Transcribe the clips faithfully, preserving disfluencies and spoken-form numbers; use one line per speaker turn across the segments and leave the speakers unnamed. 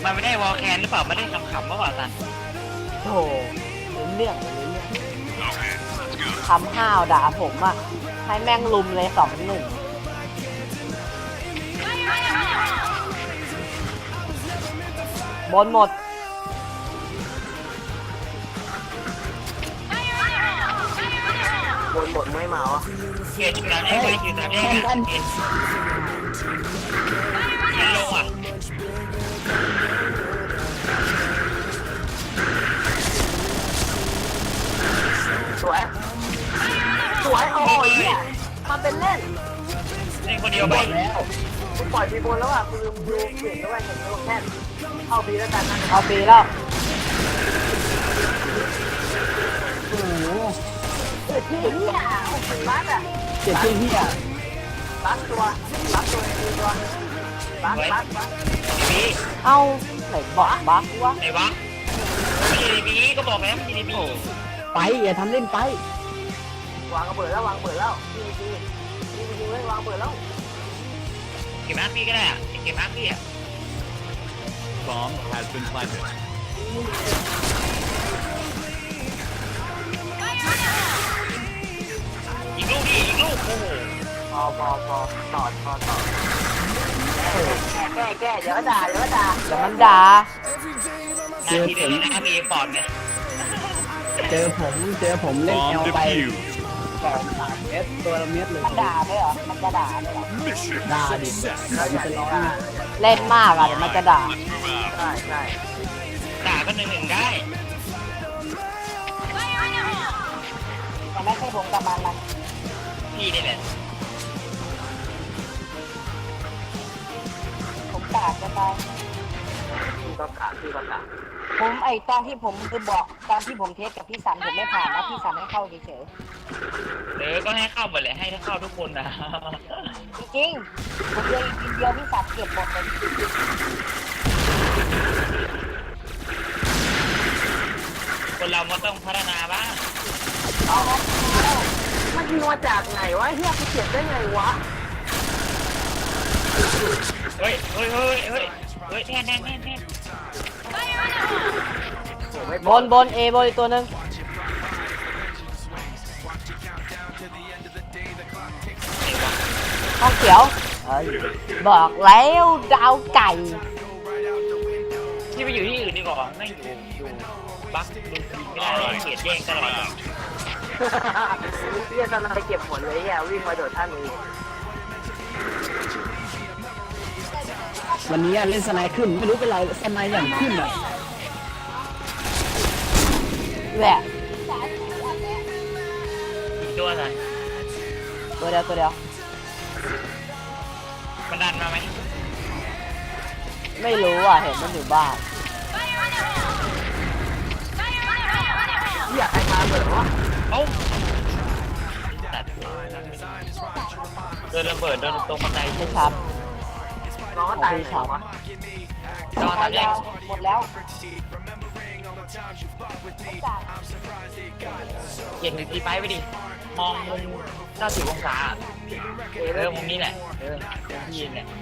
มันไม่ได้วอลแคนหรือเปล่าไม่ได้ขำๆเมื่อวานสัน
โอ้เรื่องเรื่องคำห้าวด่าผมอ่ะให้แม่งลุมเลยสองหนึ่งบนหมดบนหมดไม่เมาอ่ะ
เกียร์จุดนั้นได้ไหมจุดนั้นได้ไหมเกียร์เกียร์ลงอ่ะ
สวยสวยโอ้ยเนี่ยมาเป็นเล่น
เล่นคนเดียวไป
แล้วกูปล่อยปีบนแล้วอ่ะกูลืมดูเปลี่ยนแล้วว่าเห็นโลแค่เข้าปีแล้วกันนะเข้าปีแล้วโอ้โหเจ็ดที่เหี้ยเป็นบัสอ่ะเจ็ดที่เหี้ยบัสตัวบัสตัวตัวบัสบัสบัสเอ้าไหนบอกบัสวะ
ไหนวะไม่ดีบีก็บอกแล้วไม่ดีบี
ไปอย่าทำเล่นไปวางกระเบิดแล้ววางเบิดแล้วดีดีดีดีเลยวางเบิดแล้ว
เก็บมาร์คพี่ก็ได้อะเก็บมาร์คพี่อะ
Bomb has been planted
อีกลูกดิอีกลูกโอ้โห
พอพอพอต่อพอต่อแก้แก้เดี๋ยวด่าเดี๋ยวด่าเดี๋ยวมันด่า
เจอผมนะครับมีปอดไง
เจอผมเจอผมเล่นเอลไปสองสามเมตรตัวละเมตรเลยมันด่าไหมเหรอมันจะด่าไหมเหรอด่าดิเล่นมากอ่ะเดี๋ยวมันจะด่าใช่ใช่
ด่าก็หนึ่งหนึ่งได้
แต่ไม่ใช่ผมกับมันนะ
พี่นี่แหละ
ผมด่าจะตายพี่ก็ด่าพี่ก็ด่าผมไอตอนที่ผมคือบอกตอนที่ผมเทสกับพี่สันผมไม่ผ่านนะพี่สันให้เข้าเฉย
ๆเออก็ให้เข้าหมดเลยให้เข้าทุกคนนะ
จริงๆผมเลยกินเดียวพี่สันเก็บหมดเลย
คนเรามันต้องพัฒนาบ้าง
เอามันนัวจากไหนวะเฮียกูเก็บได้ไงวะ
เฮ้ยเฮ้ยเฮ้ยเฮ้ยเฮ้ยแน่นแน่นแน่นแน่น
บนบนเอบนอีกตัวนึงห้องเขียวบอกแล้วดาวไก่
ที่ไปอยู่ที่อื่นดีกว่าไม่อยู่อยู่บักดูไม่ได้เขียดแย่งตลอด
เรียกตอนนั้นไปเก็บผลเลยอ่ะวิ่งมาโดดท่านนี้วันนี้เล่นสไนขึ้นไม่รู้เป็นไรสไนอย่างขึ้นอ่ะแหละ
ตัวไหน
ตัวเดียวตัวเดียว
มันดันมาไหม
ไม่รู้อ่ะเห็นมันอยู่บ้านอยากให้มาเหมือนวะ
เอ้าโดนระเบิดโดนตรงบันได
ไม่ชับน้องตายชับ
น้องตายแล้ว
หมดแล้ว
เย็นดีไปไปดิมองมุมเก้าสิบองศาเออมุมนี้แหละเออที่ยืนเนี่ย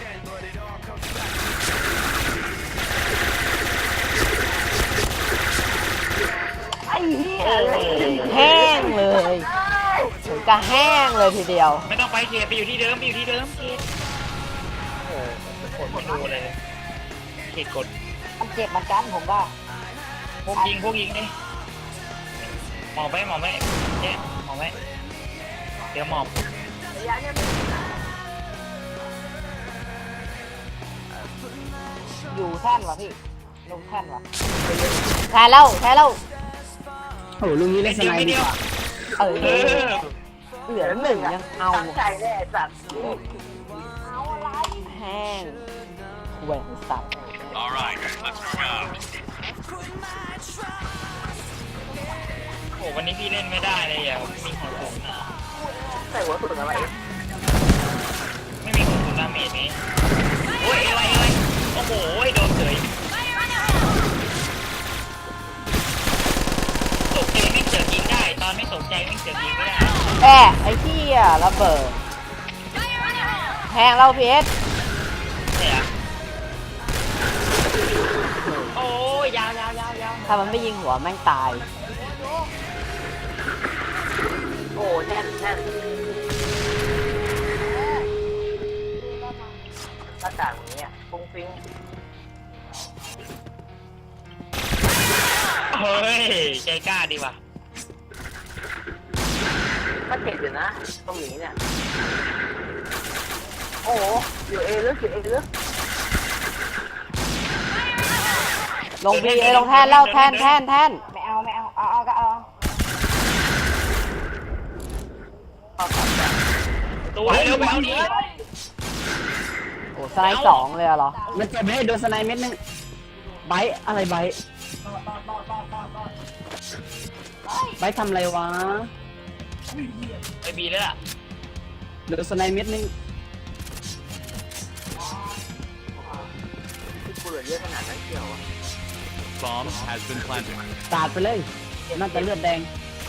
ไอ้เหี้ยแห้งเลยถึงกับแห้งเลยทีเดียว
ไม่ต้องไปเกียร์ไปอยู่ที่เดิมไปอยู่ที่เดิมเกียร์โอ้โหกดไม่ดูเลยเกียร์กด
มันเจ็บมันกันผมว่า
พวกยิงพวกยิงดิหมอบไว้หมอบไว้เนี่ยหมอบไว้เดี๋ยวหมอบ
อยู่แท่นวะพี่ลงแท่นวะแท่แล้วแท่แล้วโอ้ลุงนี้เล่นสไนด์ดีกว่าเออเหลือหนึ่งยังเอาใจแน่สัตว์เอาอะไรแห้งแหวนสัตว์
Alright, let's move out.
โอ้วันนี้พี่เล่นไม่ได้เลยอ่ะไม่มีหัวถุง
ใส่หัวถุงอะไร
ไม่มีหัวถุงดาเมจนี้โอ้ยอะไรอะไรโอ้โหโดนเฉยตกใจไม่เจอยิงได้ตอนไม่ตกใจไม่เจอยิงไม่ได้
แอะไอ้ที่อ่ะระเบิดแหงเราเพชร
เนี่ย
ถ้ามันไม่ยิงหัวแม่งตาย
โอ้แน่นแน่นหน้าต่างนี้อ่ะฟุ้งฟิ้ง
เฮ้ยใจกล้าดีว่ะ
ก็เจ็บอยู่นะตรงนี้เนี่ยโอ้โหอยู่เอลึกอยู่เอลึก
ลงบีเอยลงแท่นแล้วแท่นแท่นแท่น
ไม่เอาไม่เอาเอาเอาก็เอาเอาตัดแบบ
ตัวเร็วไปเอาดิ
โอ้สไนด์สองเลยอะเหรอ
มันเจ็บเลยโดนสไนเม็ดนึงไบท์อะไรไบท์ไบท์ทำอะไรวะ
ไปบีแล้วล่ะ
โดนสไนเม็ดนึง
ที่กูเหลือเยอะขนาดนั้นเกี่ยวอ่ะ
Bomb has been planted.
สาดไปเลยน่าจะเลือดแดง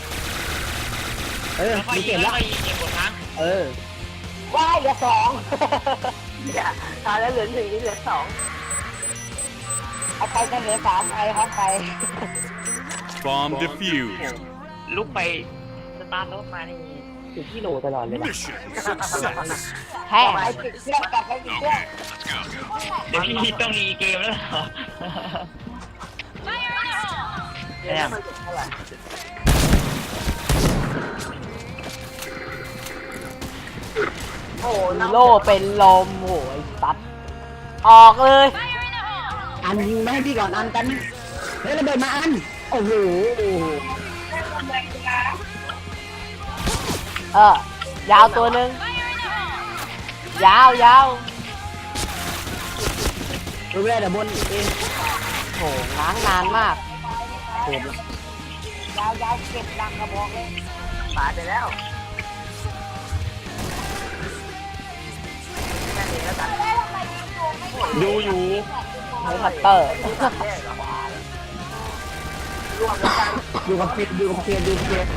เออ
แล้วค่อย
มี
ยิ
เก็
ง
บ
แล้
แล้ว ว
ค่อยยิงเก็บหมดครั้ง
เออ
ว้ายเหลือสองอย่าตายแล้วเหลือหนึ่งนี่เหลือสองเอาไปกันเหลือสามไปครับไป
Bomb defused.
ลุกไปสตาร์ทรถมานี่
ถึงที่โหลตลอดเลย
Mission success.
แท่น
ไปติดเครื่องกลับไปติดเครื่อง
เดี๋ยวพี่ต้องรีเกมแล้วเหรอ
เดี๋ยวมันติดเท่าไหร่ โอ้โหน้ำ
โล่เป็นลมโหยตัด ออกเลย
อันยิงไม่ให้พี่ก่อนอันกันเฮ้ยระเบิดมาอันโอ้โห
เออยาวตัวหนึ่งยาวยาว
ดูแลเดี๋ยวบนเอง
โหง้างนานมาก
โหด
ยาวยาวเก็บรังกระบอกเลยตายไปแล้วแค่นี้แล้วกัน
ดูอยู่
ใช้คัตเตอร์
รวมแล้วกัน
อยู่กับเฟียอยู่กับเฟียอยู่กับเฟีย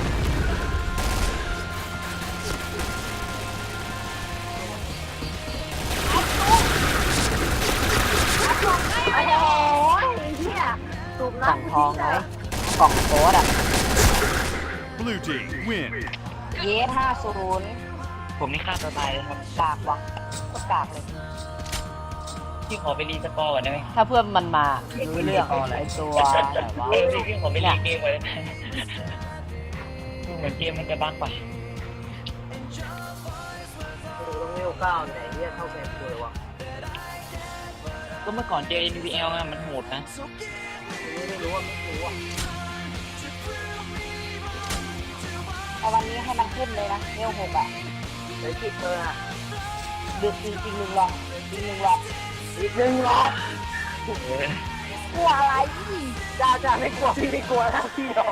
ไอ้โอ้ยเฮียสูบ
กล่อง
น้ำ
ทองไหมกล่องโค้ดอ่ะ
Blue team win.
เยสห้าศูนย์
ผมนี่ฆ่าตัวตายเลยครับ
กากว่ะก็กากเลย
พี่ขอไปรีสกอร์ก่อนได้ไหม
ถ้าเพื่อนมันมารู้เรื่องไอ้ตัวแบบว่า
เออพี่พี่ขอไปรีเกมก่อนได้ไหมเหมือนเกมมันจะบั๊กไป
โอ้ต้องเร็วเก้าไหนเฮียเท่าแก่เลยวะ
ก็เมื่อก่อนเจอ เอ็น วี แอล อะมันโหดนะ
ไม่รู้ว่าไม่รู้อ่ะเอาวันนี้ให้มันขึ้นเลยนะเร็วหกอ่ะเดี๋ยวจิตเอออ่ะดึกจริงๆหนึ่งหลอดจริงหนึ่งหลอดอีกหนึ่งหลอด
เออก
ลัวอะไรจ้าจ้าไม่กลัวพี่ไม่กลัวนะพี่หรอก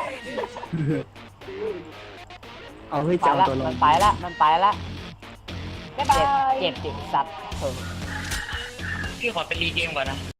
เอาเฮ้ย
ไป
จะเอา
ละ
ตัวล
มั
ง
นไปละมันไปละ
บ๊ายบา
เจ็บ
ย
เจ็บจิตสัตว์เถอะ
พี่ขอไปรีเกมก่อนนะ